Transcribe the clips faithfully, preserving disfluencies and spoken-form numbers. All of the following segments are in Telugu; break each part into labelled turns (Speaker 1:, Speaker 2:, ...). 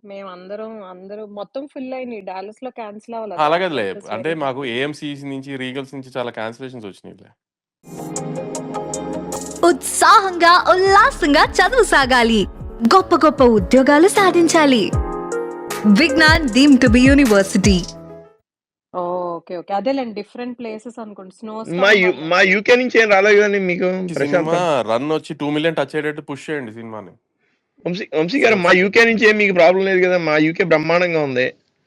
Speaker 1: మేమందరం అందరూ మొత్తం ఫుల్ అయినాయి. డాలస్‌లో క్యాన్సిల్ అవ్వలా
Speaker 2: ఆ!
Speaker 1: థర్టీ
Speaker 2: అలాగేదులే.
Speaker 1: సీటర్స్
Speaker 2: అంటే
Speaker 1: వేరే
Speaker 2: మాకు
Speaker 1: కంట్రీ.
Speaker 2: ఏఎంసీస్ నుంచి, రీగల్స్ నుంచి చాలా కాన్సెలేషన్స్ వచ్చినాయిలే.
Speaker 3: ఉత్సాహంగా, ఉల్లాసంగా చదువు సాగాలి. గొప్ప గొప్ప ఉద్యోగాలు సాధించాలి. Vignan deemed to be university.
Speaker 1: Oh! Okay. Okay. అదేలెండి డిఫరెంట్ ప్లేసెస్ అనుకుంట. స్నో
Speaker 4: మా
Speaker 1: స్టార్మ్
Speaker 4: యు మా
Speaker 1: పడినప్పుడు.
Speaker 4: యూకే నుంచి ఏం రాలేదు కదండీ మీకు
Speaker 2: ఈ సినిమా
Speaker 4: ప్రశాంతం?
Speaker 2: రన్ వచ్చి టూ మిలియన్ టచ్ అయ్యేటట్టు పుష్ చేయండి సినిమాని.
Speaker 4: వంశీ వంశీ గారు
Speaker 2: సేల్స్.
Speaker 4: మా యూకే నుంచి ఏం మీకు ప్రాబ్లమ్ లేదు కదా! మా యూకే బ్రహ్మాండంగా ఉంది.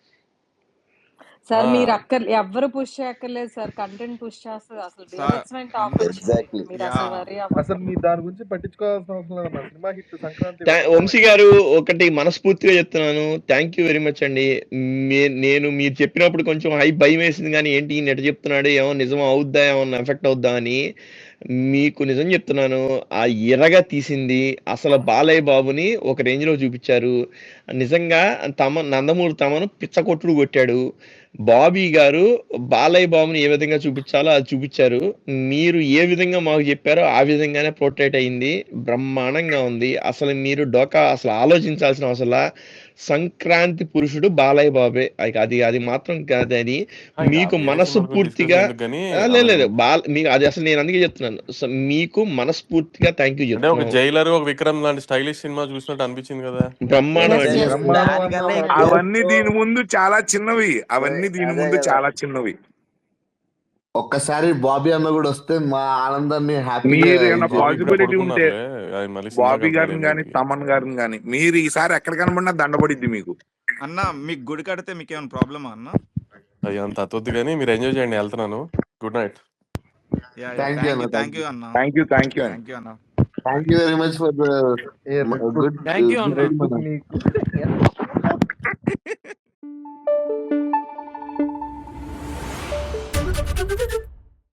Speaker 1: సార్ మీరు
Speaker 2: ఆ!
Speaker 1: అక్కర్ ఎవ్వరు పుష్ చేయక్కర్లేదు సార్. కంటెంట్ పుష్ చేస్తది. అసలు
Speaker 5: సార్
Speaker 1: బీభత్సమైన టాక్
Speaker 5: అందరూ
Speaker 1: వచ్చింది.
Speaker 6: ఎగ్జాక్ట్‌లీ.
Speaker 1: మీరు అసలు
Speaker 5: యాహ్!
Speaker 1: వర్రీ
Speaker 7: అసలు
Speaker 1: అవ్వక్కర్లేదు.
Speaker 7: మీరు దాని గురించి పట్టించుకోవాల్సిన అవసరం లేదన్న. సినిమా హిట్ సంక్రాంతి
Speaker 4: థా
Speaker 7: వస్తుంది
Speaker 4: వంశీ
Speaker 7: మనకి.
Speaker 4: గారు ఒకటి మనస్ఫూర్తిగా చెప్తున్నాను. థాంక్ యూ వెరీ మచ్ అండి. మే నేను మీరు చెప్పినప్పుడు కొంచెం హై భయమేసింది గానీ, ఏంటి ఈయన ఎట్ట చెప్తున్నాడు? ఏమో నిజం అవుద్దా? ఏమన్నా ఎఫెక్ట్ అవుద్దా అని. మీకు నిజం చెప్తున్నాను. ఆ ఇరగ తీసింది అసలు బాలయ్య బాబుని ఒక రేంజ్‌లో చూపిచ్చారు. నిజంగా తమ నందమూరి తమను పిచ్చకొట్టుడు కొట్టాడు. బాబీ గారు బాలయ్య బాబుని ఏ విధంగా చూపిచ్చాలో అది చూపిచ్చారు. మీరు ఏ విధంగా మాకు చెప్పారో ఆ విధంగానే పోర్ట్రేట్ అయింది. బ్రహ్మాండంగా ఉంది. అసలు మీరు డోకా అసలు ఆలోచించాల్సిన అవసరంలా. సంక్రాంతి పురుషుడు బాలయ్య బాబే. ఇక అది అది మాత్రం కాదని
Speaker 2: ఆ! ఇక
Speaker 4: మీకు
Speaker 2: వేరే
Speaker 4: మనస్సు
Speaker 2: సినిమాల గురించి డిస్కషన్
Speaker 4: పూర్తిగా
Speaker 2: ఎందుకు గానీ,
Speaker 4: ఆ! లేదు
Speaker 2: ఆమెను
Speaker 4: లేదు. బాల్ మీకు అది అసలు నేను అందుకే చెప్తున్నాను. సో, మీకు మనస్ఫూర్తిగా థాంక్ యూ
Speaker 2: అంటే ఒక
Speaker 4: చెప్తున్నాం.
Speaker 2: 'జైలర్', ఒక 'విక్రమ్' లాంటి స్టైలిష్ సినిమా చూసినట్టు అనిపించింది కదా!
Speaker 4: బ్రహ్మాండం
Speaker 1: యెస్.
Speaker 4: అండి.
Speaker 1: యెస్.
Speaker 7: బ్రహ్మాండం
Speaker 6: దానికన్నా
Speaker 7: అన్నారు.
Speaker 6: ఎక్కువ
Speaker 5: అవన్నీ దీని ముందు చాలా చిన్నవి. అవన్నీ దీని
Speaker 6: అదే
Speaker 5: ముందు
Speaker 6: కదా!
Speaker 5: చాలా చిన్నవి.
Speaker 6: ఒక్కసారి బాబీ అన్న కూడా వస్తే మా ఆనందాన్ని హ్యాపీగా
Speaker 5: మీరు ఏమన్నా
Speaker 6: ఇది
Speaker 2: బాబీ ఇప్పుడే
Speaker 5: పాజిబిలిటీ ఉంటే
Speaker 2: పడుకున్నారులే. ఆయన మళ్ళీ సినిమాకి
Speaker 5: బాబీ
Speaker 2: వెళ్తారు
Speaker 5: గారిని గాని,
Speaker 2: ఎనిమిదికి.
Speaker 5: తమన్ గారిని గాని మీరు ఈసారి ఎక్కడ కనబడినా దండబడిద్ది మీకు.
Speaker 8: అన్న మీకు గుడి కడితే మీకేమైనా ప్రాబ్లమా అన్న?
Speaker 2: అయ్య అంత అతొద్దు గానీ మీరు ఎంజాయ్ చేయండి. ఎళ్తున్నాను. Good night.
Speaker 8: Yeah! Yeah!
Speaker 6: Thank you
Speaker 8: thank
Speaker 6: అన్న.
Speaker 8: You.
Speaker 6: Thank
Speaker 8: thank
Speaker 6: you.
Speaker 8: You అన్న.
Speaker 5: Thank you. థాంక్ యూ అండి.
Speaker 8: థాంక్ యూ అన్న.
Speaker 6: Thank you very much for the
Speaker 7: a red book
Speaker 6: good
Speaker 8: thank you
Speaker 6: good
Speaker 8: అన్న.
Speaker 7: రెడ్ బుక్ మీకు.